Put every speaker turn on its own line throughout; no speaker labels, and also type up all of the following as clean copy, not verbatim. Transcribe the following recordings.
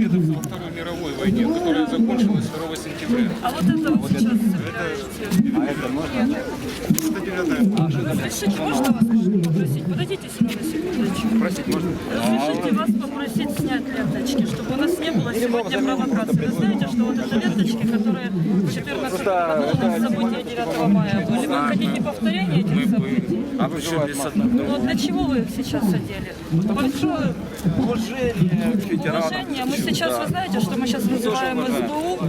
дедовцы во Второй мировой войне, которая закончилась 2 сентября.
А вот это вот сейчас собираете.
А это можно?
Разрешите, можно вас попросить? Подойдите сюда на секундочку.
Просить можно?
Разрешите вас попросить снять ленточки, чтобы у нас не было сегодня провокации. Вы знаете, что вот это ленточки, которые 14 году у нас события 9 мая были. Вы хотите повторения этих событий?
А вы что, без
Ну для чего вы их сейчас одели? Большое
уважение к ветеранам.
уважение. Мы сейчас, вы знаете, что мы сейчас вызываем СБУ?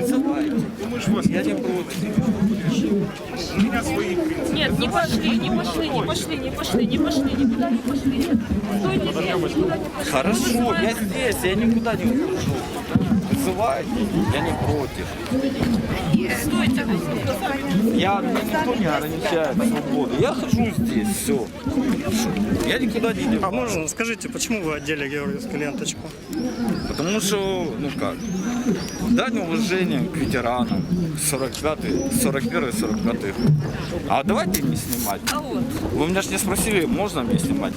Я не против.
У меня свои принципы.
Нет, не пошли, никуда не пошли. Стойте здесь, никуда не пошли.
Хорошо, я здесь, я никуда не ухожу. Вызывайте, я не против.
Стойте.
Меня никто не ограничает свободу. Я хожу здесь, все. Я никуда не иду.
А можно, скажите, почему вы одели георгиевскую ленточку?
Потому что, ну как, дань уважения к ветеранам 41-45 год. А давайте не снимать.
А вот,
Вы меня же не спросили, можно мне снимать?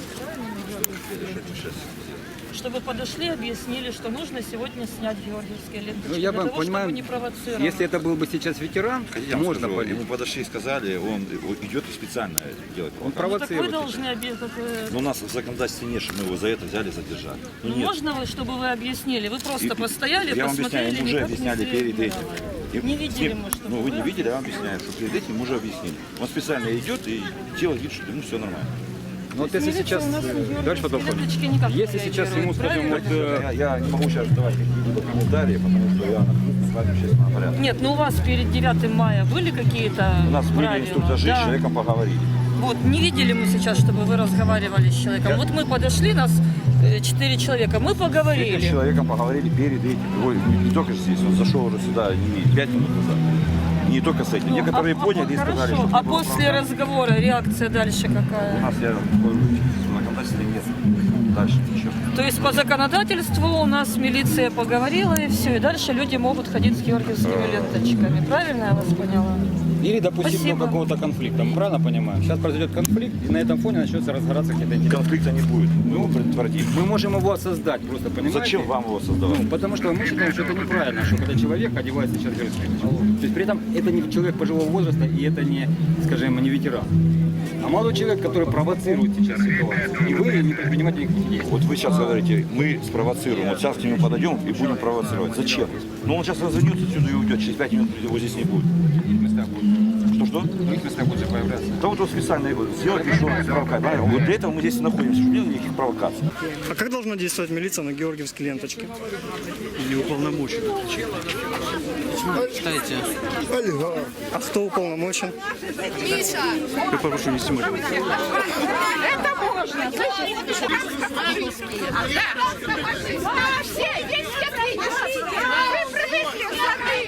чтобы подошли, объяснили, что нужно сегодня снять георгиевские ленточки.
Ну, я
для
бы
того,
понимаю,
чтобы не провоцировать.
если это был бы сейчас ветеран,
Я вам
можно
скажу,
понять.
ему подошли и сказали, он идет и специально делает
Он
провокацию.
Ну, так вы
провоцирует.
должны
Но у нас в законодательстве нет, что мы его за это взяли, задержали. Ну,
Ну,
нет.
можно вы, чтобы вы объяснили? Вы просто
И-
постояли,
я вам объясняю,
посмотрели,
ему уже
никак не
объясняли перед этим.
среагировали. Не видели мы, что
Ну, вы не видели, я вам объясняю, что перед этим уже объяснили. Он специально идет и делает вид, что ему все нормально.
Но вот если
Милиция
сейчас,
у нас на георгиевские
дальше потом,
ленточки никак не
если сейчас ему,
реагирует,
скажем, вот,
правильно?
Я не могу сейчас давать какие-либо комментарии, потому что я нахожусь в общественном порядке.
Нет, ну у вас перед 9 мая были какие-то
У нас были
правила?
инструктажи,
Да.
с человеком поговорили.
Вот, не видели мы сейчас, чтобы вы разговаривали с человеком. Вот мы подошли, нас 4 человека, мы
С этим
поговорили.
человеком поговорили перед этим. Ой, не только здесь, он зашел уже сюда 5 минут назад. Не только с этим. Некоторые поняли и сказали,
Хорошо.
что...
А после разговора реакция дальше
У
какая?
нас я такой законодательства нет. Дальше ничего.
То есть по законодательству у нас милиция поговорила и все, и дальше люди могут ходить с георгиевскими ленточками. Правильно я вас поняла?
или допустить
Спасибо.
до какого-то конфликта. Мы правильно понимаем? Сейчас произойдет конфликт, и на этом фоне начнется разгораться какие-то интересы.
Конфликта не будет. Мы его предотвратим.
Мы можем его создать, просто понимаете?
Зачем вам его создавать?
Ну, потому что мы считаем, что это неправильно, что когда человек одевается сейчас георгиевской ленточкой. То есть при этом это не человек пожилого возраста, и это не, скажем, не ветеран. А молодой человек, который провоцирует сейчас ситуацию. И вы не предпринимаете никаких действий.
Вот вы сейчас говорите, мы спровоцируем. Вот сейчас к нему подойдем и будем провоцировать. Зачем? Ну он сейчас развернется отсюда и уйдет. Через 5 минут его здесь не будет. Что-что?
В других местах будут появляться.
Да вот он специально его сделать, что он провокает. Вот для этого мы здесь и находимся, чтобы не было никаких провокаций.
А как должна действовать милиция на георгиевской ленточке?
Или уполномоченный.
Читайте.
А кто уполномочен?
Я прошу не снимать.
Это можно. Все, есть все вы привыкли к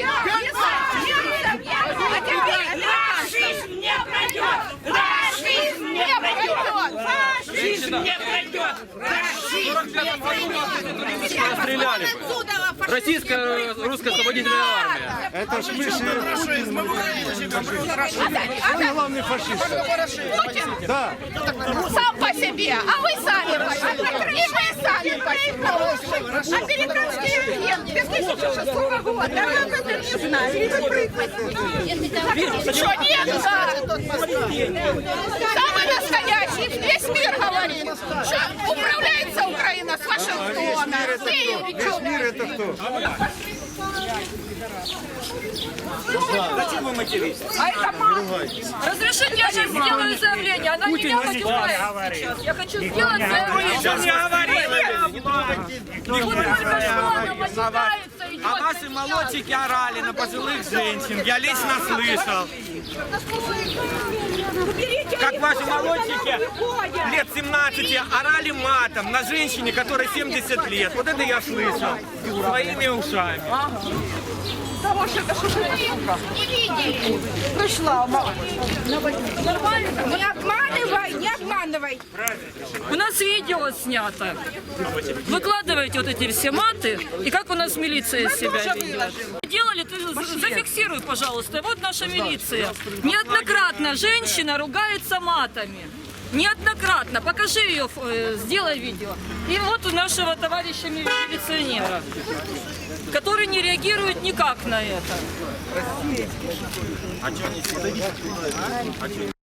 Фашизм не пройдет! Фашизм не пройдет! Фашизм не пройдет!
Стреляли. Российская русская освободительная армия.
Это ж мы
Главный фашист. Путин? Да. Сам по себе, а вы сами по себе. И вы сами по себе. Американский агент 2006 года. А вы об этом не знаете. Что нет? Самый настоящий. Весь мир говорит, что управляется Украина с Вашингтона. Весь мир это кто?
Зачем вы материтесь?
А это мама. Разрешите, я сейчас сделаю заявление. Она меня матюкает сейчас. Я хочу сделать заявление.
Сейчас не говорили.
Вот только что она матюкается, идет.
А ваши молодчики орали на пожилых женщин. Я лично слышал. Как ваши молодчики лет 17 орали матом на женщине, которой 70 лет. Вот это я слышал своими ушами.
Не видели. Пришла. Нормально? Не обманывай, не обманывай.
У нас видео снято. Выкладываете вот эти все маты, и как у нас милиция себя ведет. Делали, ты зафиксируй, пожалуйста. Вот наша милиция. Неоднократно женщина ругается матами. Неоднократно. Покажи ее, сделай видео. И вот у нашего товарища милиционера, который не реагирует никак на это.